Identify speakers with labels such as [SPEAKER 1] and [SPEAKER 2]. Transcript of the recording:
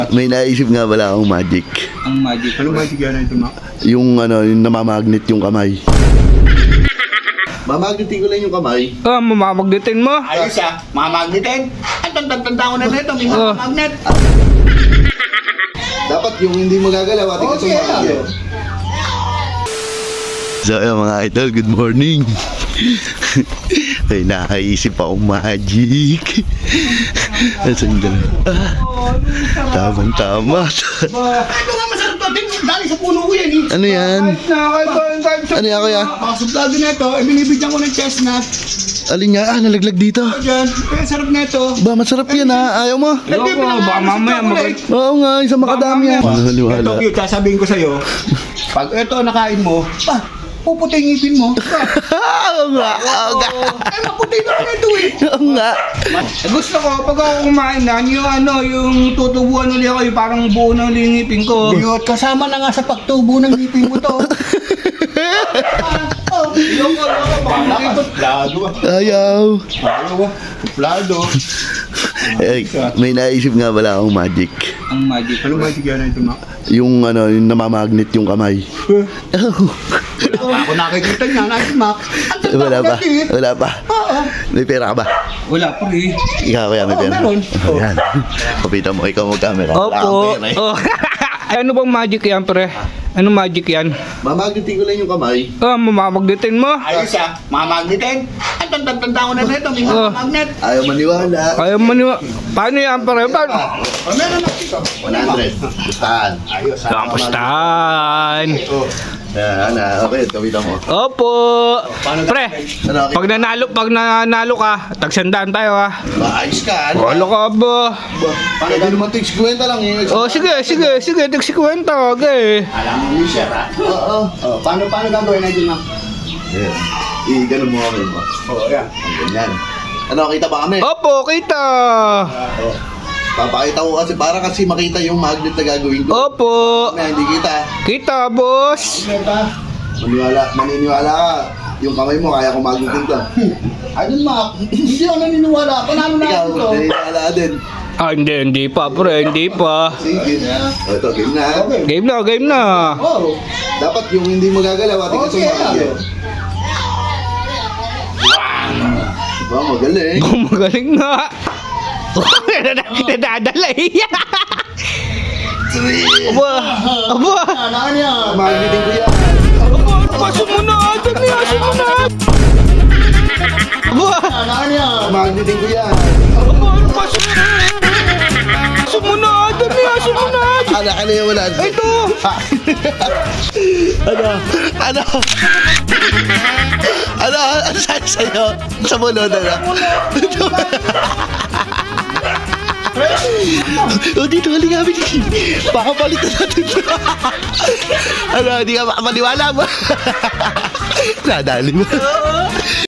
[SPEAKER 1] May naisip nga pala akong magic.
[SPEAKER 2] Ang magic. Ano magic yan ito, Mac?
[SPEAKER 1] Yung yung namamagnet yung kamay. Mamagnetin ko lang yung kamay.
[SPEAKER 3] Mamamagnetin mo?
[SPEAKER 2] Ayos ah, mamagnetin. At tanda ko na nito, may magnet.
[SPEAKER 1] Dapat yung hindi magagalaw at ito magagalaw. So ayun mga idol, good morning. Ay, nakaisip akong magic. Nasaan ka na? Tama.
[SPEAKER 2] Ano nga masarap to? Dali sa puno ko yan eh.
[SPEAKER 1] Ano yan? Ano yan kuya?
[SPEAKER 2] Mga suplado na ito, binibigyan ko ng chestnut.
[SPEAKER 1] Alin nga? Nalaglag dito.
[SPEAKER 2] Diyan, kaya sarap na ito.
[SPEAKER 1] Ba, masarap yan ha? Ayaw mo?
[SPEAKER 3] Baka mamaya
[SPEAKER 1] Oo nga, isang makadami yan.
[SPEAKER 2] Ito cute, sasabihin ko sa'yo. Pag ito nakain mo, puputi yung ngipin mo.
[SPEAKER 1] Oo nga.
[SPEAKER 2] Ay, maputi na ako ito eh.
[SPEAKER 1] Oo nga.
[SPEAKER 3] Gusto ko, pag ako kumain na, yung tutubuan ulit ako, yung parang buo ng lingipin ko.
[SPEAKER 2] Biyot, kasama na nga sa pagtubo ng ngipin mo to.
[SPEAKER 1] Ayaw.
[SPEAKER 2] Suplado.
[SPEAKER 1] Eh, may naisip nga pala akong magic.
[SPEAKER 3] Ang magic.
[SPEAKER 2] Ano magic yan ito, Mac?
[SPEAKER 1] Yung yung namamagnet yung kamay.
[SPEAKER 2] Ako nakikita niya, nakikita Mac.
[SPEAKER 1] Wala pa. May pera ka ba?
[SPEAKER 3] Wala pa eh.
[SPEAKER 1] Ikaw kaya may pera?
[SPEAKER 2] meron.
[SPEAKER 1] Ayan. Kapita mo, ikaw mag-camera. Wala kang
[SPEAKER 3] Opo.
[SPEAKER 1] pera eh.
[SPEAKER 3] Oh. Ano bang magic yan, pre? Ano magic yan?
[SPEAKER 1] Mamagnetin ko lang yung kamay.
[SPEAKER 3] Mamamagnetin mo?
[SPEAKER 2] Ayos ah, mamagnetin. At tanda ko na nito, may magnet.
[SPEAKER 1] Ayaw maniwala.
[SPEAKER 3] Ayaw mo niwa. Paano yan, pre? Paano?
[SPEAKER 2] Meron na dito.
[SPEAKER 1] 100. Gustahan.
[SPEAKER 2] Ayos ah.
[SPEAKER 3] Kamustahan?
[SPEAKER 1] Yan, okay, kapita mo.
[SPEAKER 3] Opo. Pre,
[SPEAKER 1] Ano,
[SPEAKER 3] pag nanalo ka, tagsandaan tayo ha.
[SPEAKER 1] maayos ka. Ano?
[SPEAKER 3] Wala ka ba?
[SPEAKER 1] Paano di naman tigs kwenta lang eh.
[SPEAKER 3] Oh, sige, tagsi kwenta, okay.
[SPEAKER 2] Alam mo yung share ah.
[SPEAKER 1] Oo.
[SPEAKER 2] Paano gagawin natin, Mac?
[SPEAKER 1] Yeah. Ganun mo kami mo.
[SPEAKER 2] Oo, yan.
[SPEAKER 1] Ang ganyan. Ano, kita ba kami?
[SPEAKER 3] Opo, kita.
[SPEAKER 1] Papakita ko kasi para kasi makita yung magnet na gagawin ko.
[SPEAKER 3] Opo.
[SPEAKER 1] Kaya hindi kita.
[SPEAKER 3] Kita, boss.
[SPEAKER 1] Maniniwala ka. Yung kamay mo, kaya ko magnetin to.
[SPEAKER 2] Ayun, Mac. Hindi ako naniniwala. Panalo na
[SPEAKER 1] Ikaw,
[SPEAKER 2] ito.
[SPEAKER 1] naniniwala ka din.
[SPEAKER 3] Hindi pa, pre, hindi pa.
[SPEAKER 1] Sige. Ito, game na.
[SPEAKER 2] Okay.
[SPEAKER 3] Game na.
[SPEAKER 2] Oh.
[SPEAKER 1] Dapat yung hindi magagalaw at ito
[SPEAKER 2] Okay,
[SPEAKER 1] magagalaw. Diba, magaling.
[SPEAKER 3] Magaling nga. Nadadala eh. Aba.
[SPEAKER 2] Ano yan?
[SPEAKER 1] Magnetin ko yan.
[SPEAKER 3] Pasok mo na, dami, pasok mo na. Aba.
[SPEAKER 2] Ano yan?
[SPEAKER 1] Magnetin ko yan.
[SPEAKER 3] Pasok mo na, dami, pasok mo na.
[SPEAKER 1] Ala ka na yung wala.
[SPEAKER 3] Ito.
[SPEAKER 1] Ano sa'yo? Sa mulod, O dito, halika kami. Baka palitan natin. Hindi ka makapaniwala mo. Nadali mo.